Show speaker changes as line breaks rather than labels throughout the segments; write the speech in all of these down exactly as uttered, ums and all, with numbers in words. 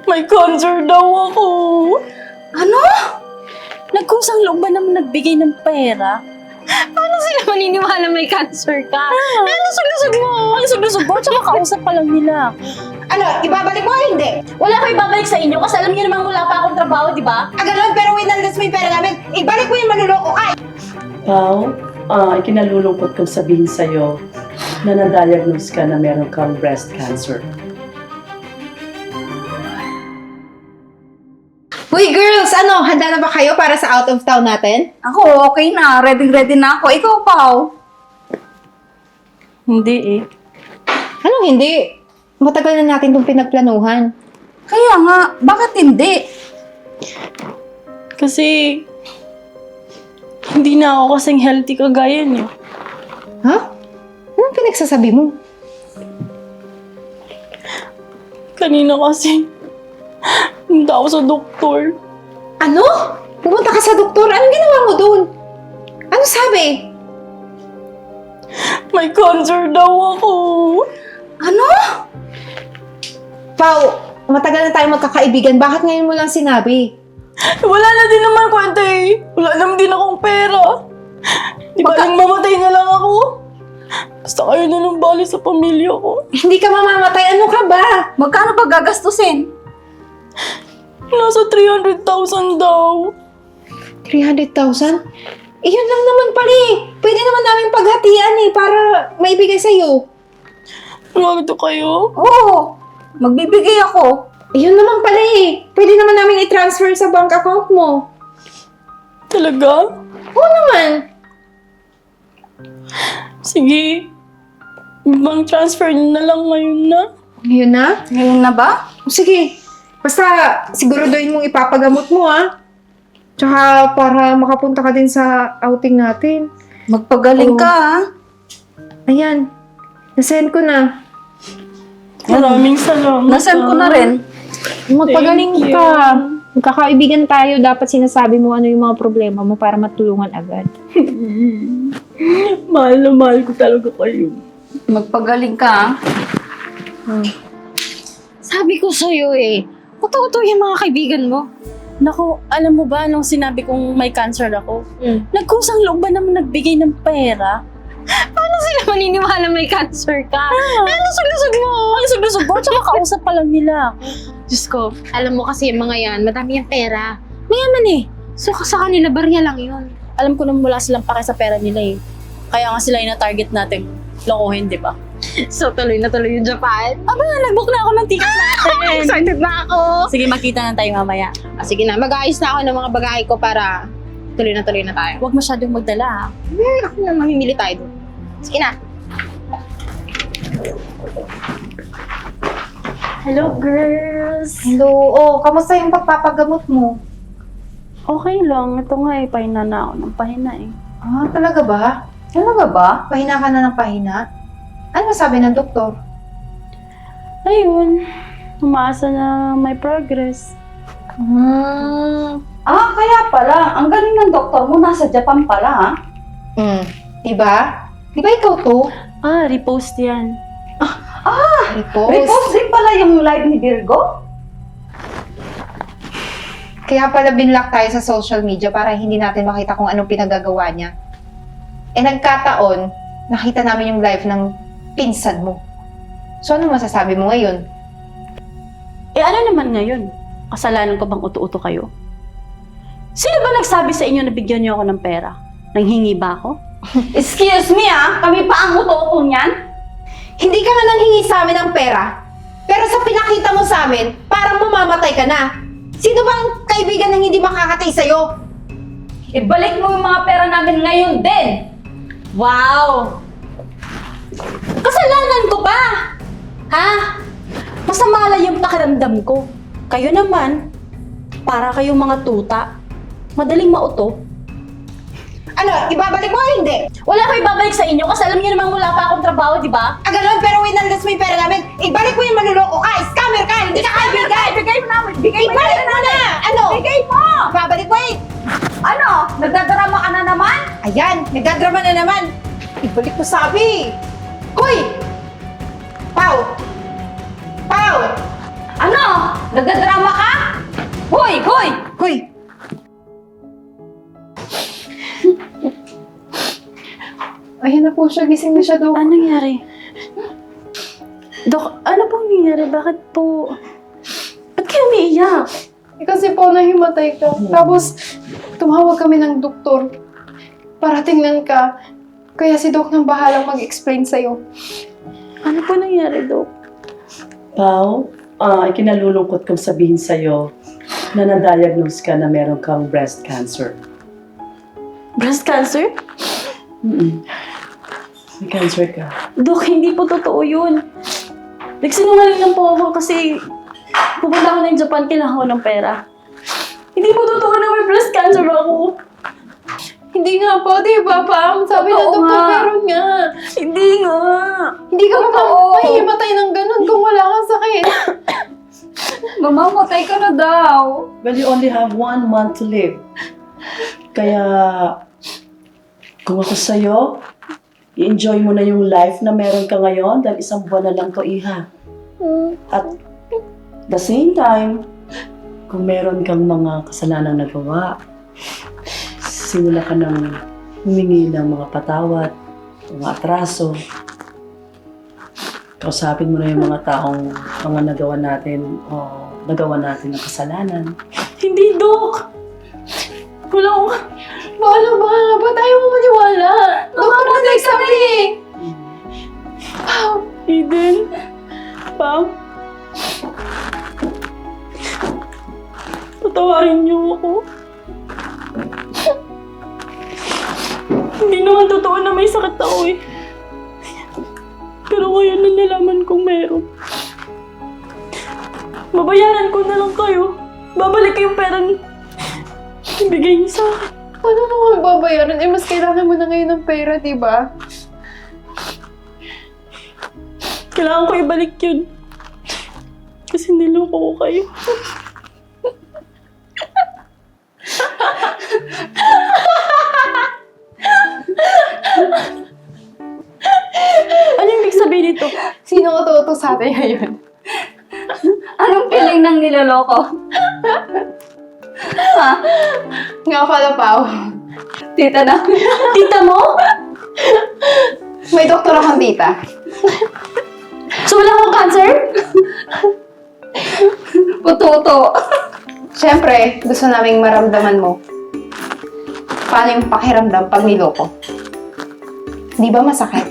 May cancer daw ako.
Ano?
Nagkusang loob ba naman nagbigay ng pera?
Paano sila maniniwala may cancer ka?
Ah.
Ano lusog-lusog mo?
Ang lusog-lusog mo, tsaka kausap pa lang nila.
Ano, ibabalik mo o hindi?
Wala ko ibabalik sa inyo kasi alam niyo namang wala pa akong trabaho, di ba?
Ah, ganun, pero winaldas mo yung pera namin. Ibalik mo yung manluloko ka.
Pao, ah, ikinalulungkot kong sabihin sa'yo na na-diagnose ka na meron kang breast cancer.
Uy, girls, ano, handa na ba kayo para sa out of town natin?
Ako, okay na. Ready-ready na ako. Ikaw, Pao.
Hindi eh.
Anong hindi? Matagal na natin itong pinagplanuhan.
Kaya nga, bakit hindi?
Kasi hindi na ako kasing healthy kagaya niyo.
Ha? Anong pinagsasabi mo?
Kanina kasi punta ako sa doktor.
Ano? Pumunta ka sa doktor? Anong ginawa mo doon? Ano sabi?
May cancer daw ako.
Ano?
Pao, matagal na tayo magkakaibigan. Bakit ngayon mo lang sinabi?
Wala na din naman kwenta eh. Wala naman din akong pera. Di ba
Magka-
lang mamatay na lang ako? Basta kayo na lang bali sa pamilya ko.
Hindi ka mamamatay. Ano ka ba?
Magkano pa gagastusin?
Nasa three hundred thousand daw.
three hundred thousand? Eh, yun lang naman pala eh. Pwede naman namin paghatian eh para maibigay sa'yo.
Nagdo kayo?
Oo. Magbibigay ako.
Eh, yun naman pala eh. Pwede naman namin i-transfer sa bank account mo.
Talaga?
Oo naman.
Sige. Ibang transfer niyo na lang ngayon na.
Ngayon na?
Ngayon na ba?
O, sige. Basta siguraduhin mong ipapagamot mo ah. Tsaka para makapunta ka din sa outing natin.
Magpagaling
Oo.
ka, ha?
Ayan. Nasend ko na.
Maraming salamat.
Nasend ko na
ah.
rin.
Magpagaling
Thank you.
ka. Magkakaibigan tayo. Dapat sinasabi mo ano yung mga problema mo para matulungan agad.
Mahal na mahal ko talaga kayo.
Magpagaling ka, ha?
Hmm.
Sabi ko sa'yo eh. Totoo yung mga kaibigan mo.
Naku, alam mo ba nung sinabi kong may cancer ako?
Mm.
Nagkusang loob ba naman nagbigay ng pera?
Paano sila maniniwala may cancer ka?
Ah.
Ano lusog-lusog mo?
Ang lusog-lusog mo, tsaka kausap pa lang nila.
Diyos ko, alam mo kasi yung mga yan, madami yung pera. Mayaman eh. So sa kanila, barya lang yun.
Alam ko naman wala silang pake sa pera nila eh. Kaya nga sila yung na-target natin. Lokohin, di ba?
So tuloy na tuloy yung Japan.
Aba, nag-book na ako ng ticket natin.
Excited na ako.
Sige, makita na tayo mamaya.
Ah, sige na, mag-aayos na ako ng mga bagay ko para tuloy na tuloy na tayo.
Huwag masyadong magdala ha.
Hmm, ako na mamimili tayo doon. Sige na.
Hello, girls.
Hello. Oh, kamusta yung pagpapagamot mo?
Okay lang. Ito nga eh, pahina na ako ng pahina eh.
Ah, talaga ba? Talaga ba? Pahina ka na ng pahina? Ano sabi ng doktor?
Ayun, umaasa na may progress.
Hmm.
Ah, kaya pala. Ang galing ng doktor mo. Nasa Japan pala, ha?
Hmm. Diba? Diba ikaw to?
Ah, repost yan.
Repost.
Repost din pala yung live ni Virgo?
Kaya pala binlock tayo sa social media para hindi natin makita kung anong pinagagawa niya. Eh nagkataon, nakita namin yung live ng pinsan mo. So ano masasabi mo ngayon?
Eh ano naman ngayon? Kasalanan ko bang uto-uto kayo? Sino ba nagsabi sa inyo na bigyan niyo ako ng pera? Nanghingi ba ako?
Excuse me, ah. Kami pa ang uto niyan?
Hindi ka nga nanghingi sa amin ng pera. Pero sa pinakita mo sa amin, parang mamamatay ka na. Sino bang kaibigan ng hindi makakatay sa'yo?
Ibalik mo yung mga pera namin ngayon din.
Wow! Kasalanan ko ba? Ha? Masama lang yung pakiramdam ko. Kayo naman, para kayong mga tuta, madaling mauto.
Ano, ibabalik mo o hindi?
Wala ko ibabalik sa inyo kasi alam niyo namang wala pa akong trabaho, di ba?
Ah, ganun, pero winaldas mo yung pera namin. Ibalik mo yung manluloko ka, scammer ka, hindi ka kaibigan.
Bigay mo namin. Bigay mo
Ibalik mo na! Ano?
Bigay mo!
Ibabalik mo eh.
Ano? Nagdadrama ka na naman?
Ayan, nagdadrama na naman. Ibalik mo sabi. Hoy! Pau! Pau!
Ano?
Nagdadrama ka? Hoy! Hoy!
Hoy! Ayan na po siya. Gising na siya, Dok.
Ano nangyari? Dok, ano pong nangyari? Bakit po... Ba't kayo umiiyak?
Eh, kasi po nahimatay ka. Tapos, tumawag kami ng doktor para tingnan ka. Kaya si Doc nang bahalang mag-explain sa'yo.
Ano po nangyari, Dok?
Pao, ah, ikinalulungkot kong sabihin sa'yo na na-diagnose ka na meron kang breast cancer.
Breast cancer?
Mm-mm. May cancer ka.
Dok, hindi po totoo yun. Nagsinungaling lang po ako kasi pupunta ako ng Japan, kailangan ko ng pera. Hindi po totoo na may breast cancer ako.
Hindi nga po, di ba, Pam? Sabi ng
Totoo
doktor,
nga.
meron nga.
Hindi nga.
Hindi ka pa
Totoo.
mahihimatay ng ganun kung wala kang sakit.
Mamamatay ka na daw.
Well, you only have one month to live. Kaya, kung ako sa'yo, i-enjoy mo na yung life na meron ka ngayon dahil isang buwan na lang to, Iha. At the same time, kung meron kang mga kasalanang nagawa, simula ka ng humingi ng mga patawad, mga atraso. Kausapin mo na yung mga taong mga nagawa natin o nagawa natin ng kasalanan.
Hindi, Dok. Wala akong...
Paano ba? Ba't ayaw mo maniwala? Doktor na nagsabi eh. Pam,
Eden. Pam. Patawarin niyo ako. Hindi naman totoo na may sakit ako eh. Pero ngayon na nalaman kong meron. Babayaran ko na lang kayo. Babalik ko yung perang ibigay niyo sa akin.
paano mo nga babayaran? Eh, mas kailangan mo na ngayon ng pera, di ba?
Kailangan ko ibalik yun. Kasi niloko ko kayo. Ano yung ibig sabihin nito?
Sino ka totoo sa atin ngayon?
Anong feeling ng niloloko? Ha?
Nga pala, Pao.
Tita na. Tita mo?
May doktor akong tita.
So wala akong cancer? Puto-to.
Siyempre, gusto naming maramdaman mo. Paano yung pakiramdam pag niloko? Di ba masakit?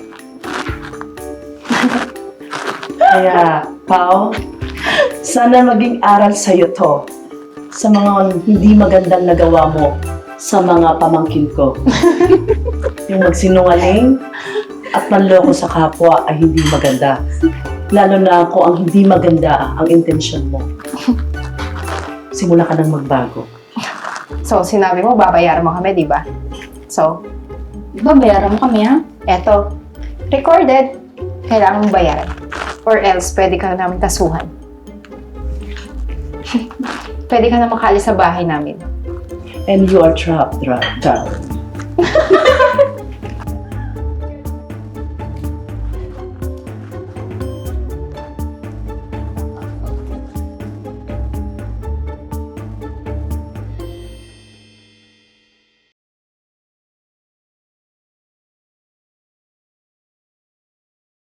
Kaya, Pao, sana maging aral sa'yo to sa mga hindi magandang nagawa mo sa mga pamangkin ko. Yung magsinungaling at manloko sa kapwa ay hindi maganda. Lalo na kung ang hindi maganda ang intensyon mo. Simula ka nang magbago.
So, sinabi mo, babayaran mo kami, di ba? So,
Babayaran mo kami, ha?
eto, recorded, kailangan mong bayaran. Or else, pwede ka na namin kasuhan. Pwede ka na makaalis sa bahay namin.
And you are trapped, darling.